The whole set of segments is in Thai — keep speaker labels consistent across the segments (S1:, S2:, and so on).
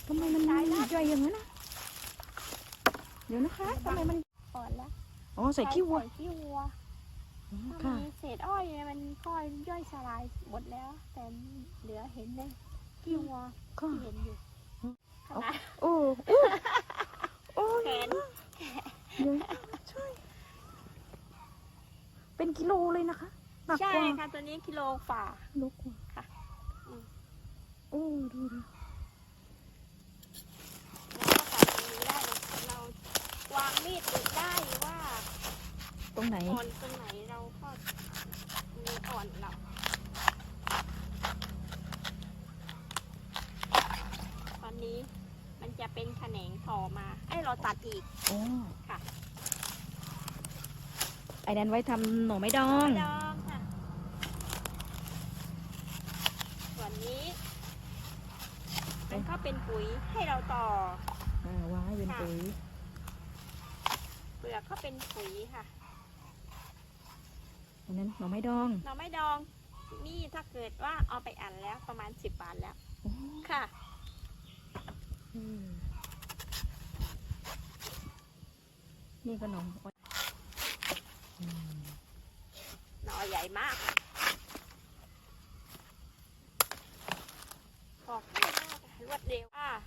S1: ทำไมมันย่อยอย่างนั้นนะเดี๋ยวนะคะทำไมมัน
S2: อ่อนแล้ว
S1: อ๋อใส่ขี้วัว
S2: ขี้วัว
S1: ค่ะ
S2: มีเศษอ้อยมันก็ย่อยสลายหมดแล้ว แต่เหลือเห็นเลยขี้วัวที่เห็นอยู่ขนาด
S1: โอ้โอ้
S2: แขน
S1: เดี๋ยวใช่เป็นกิโลเลยนะคะหนัก
S2: ใช่
S1: กว่า
S2: ค่ะตัวนี้กิโลฝ่า
S1: โลกว่า
S2: ค่ะ
S1: โอ้ดูดิ
S2: เราก็ตัดตรงนี้ได้เลยเราวางมีดติดได้หรือว่า
S1: ตรงไหน
S2: อ่อนตรงไหนเราก็มีอ่อนเราตอนนี้มันจะเป็นแขนงต่อมาให้เราตัดอีก
S1: อ๋อ
S2: ค่ะ
S1: ไอ้นั้นไว้ทำหน่อไม้ดอง
S2: ดองค่ะ ส่วนนี้มันก็เป็นปุ๋ยให้เราต่อ
S1: วางให้เป็นปุ๋ย
S2: เปลือกก็เป็นปุ๋ยค่ะ
S1: อันนั้นหน่อไม้ดอง
S2: เราไม่ดองนี่ถ้าเกิดว่าเอาไปอันแล้วประมาณ10 บาทแล้ว
S1: อ๋อ
S2: ค่ะ
S1: นี่ก็หน่อ
S2: หน่อใหญ่มากออกง่ายมากรวดเร็ว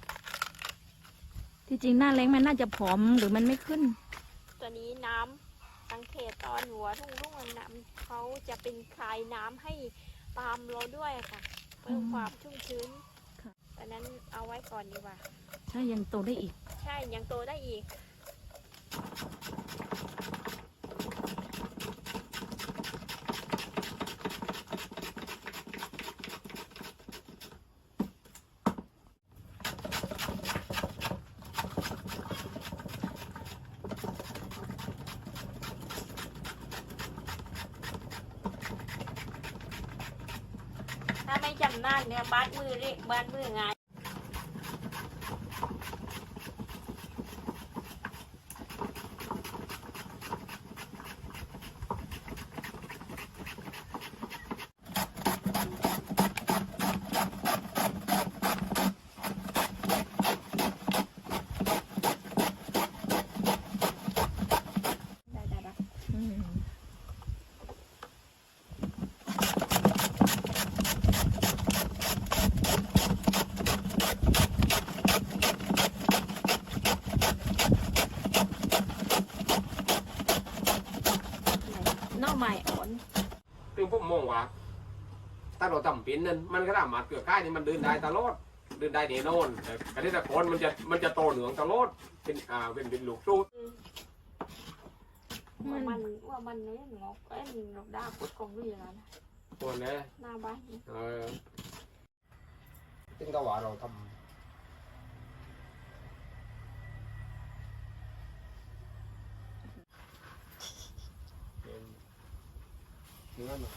S1: ที่จริงหน้าแรงมันน่าจะผอมหรือมันไม่ขึ้น
S2: ตัวนี้น้ำสังเกตตอนหัวรุ่งๆน้ำเขาจะเป็นคลายน้ำให้ปาล์มเราด้วยค่ะเพิ่มความชุ่มชื้น
S1: ค่ะ
S2: ตอนนั้นเอาไว้ก่อนดีกว่า
S1: ใช่ยังโตได้อีก
S2: ใช่ยังโตได้อีกถ้าไม่จำนานเนี่ยบ้านมือเรียกบ้านมือไงได้ นอกใหม่อ่อน
S3: ซึ่งผมมองว่าถ้าเราทำเป็นนั้นมันก็สามารถเกิดค่ายนี่มันเดินได้ตลอดเดินได้แน่นอนแต่เกษตรกรมันจะโตเหนืองตลอดเป็นลูกสู้
S2: ว่ามันเล่นงอกเล่นดอกดาพุดของด้วยแล้วนะ
S3: ตัวนี้
S2: หน้าบ้าน
S3: ซึ่งก็ว่าเราทำเนื้อหนา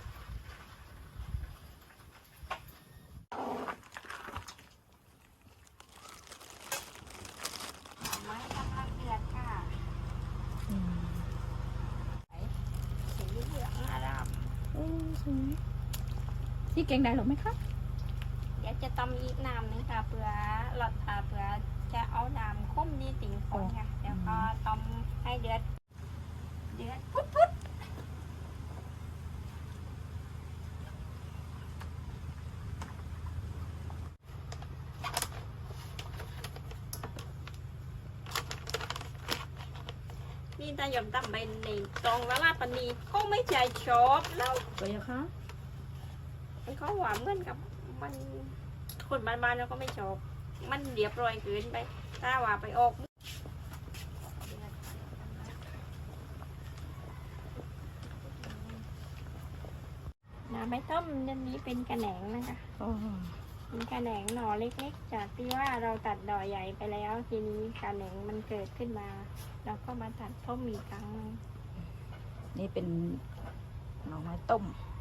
S2: ไม้กำลังเดือดค่ะสีเหลืองอาราม
S1: สวยที่แกงได้หรอไหมคะ
S2: เดี๋ยวจะตำอีกน้ำนึงค่ะเผื่อจะเอาน้ำข้มนี่ติ่งคนค่ะเดี๋ยวก็ตำให้เดือดพุดนี่ตาหยมตำไปในตองละลาปนีก็ไม่ใจชอบแล้ว
S1: สวยอะคะ
S2: มันก็หวานเหมือนกับมันคนบ้านๆเราก็ไม่ชอบมันเรียบร้อยเกินไปถ้าว่าไปออกน้ำไม่ต้มอันนี้เป็นกระแหนงนะคะ
S1: อ๋อ
S2: เป็นกระแหนงหน่อเล็กๆจากที่ว่าเราตัดดอกใหญ่ไปแล้วทีนี้กระแหนงมันเกิดขึ้นมาเราก็มาตัดต้มอีกครั้งนึง
S1: นี่เป็นหน่อไม้ต้ม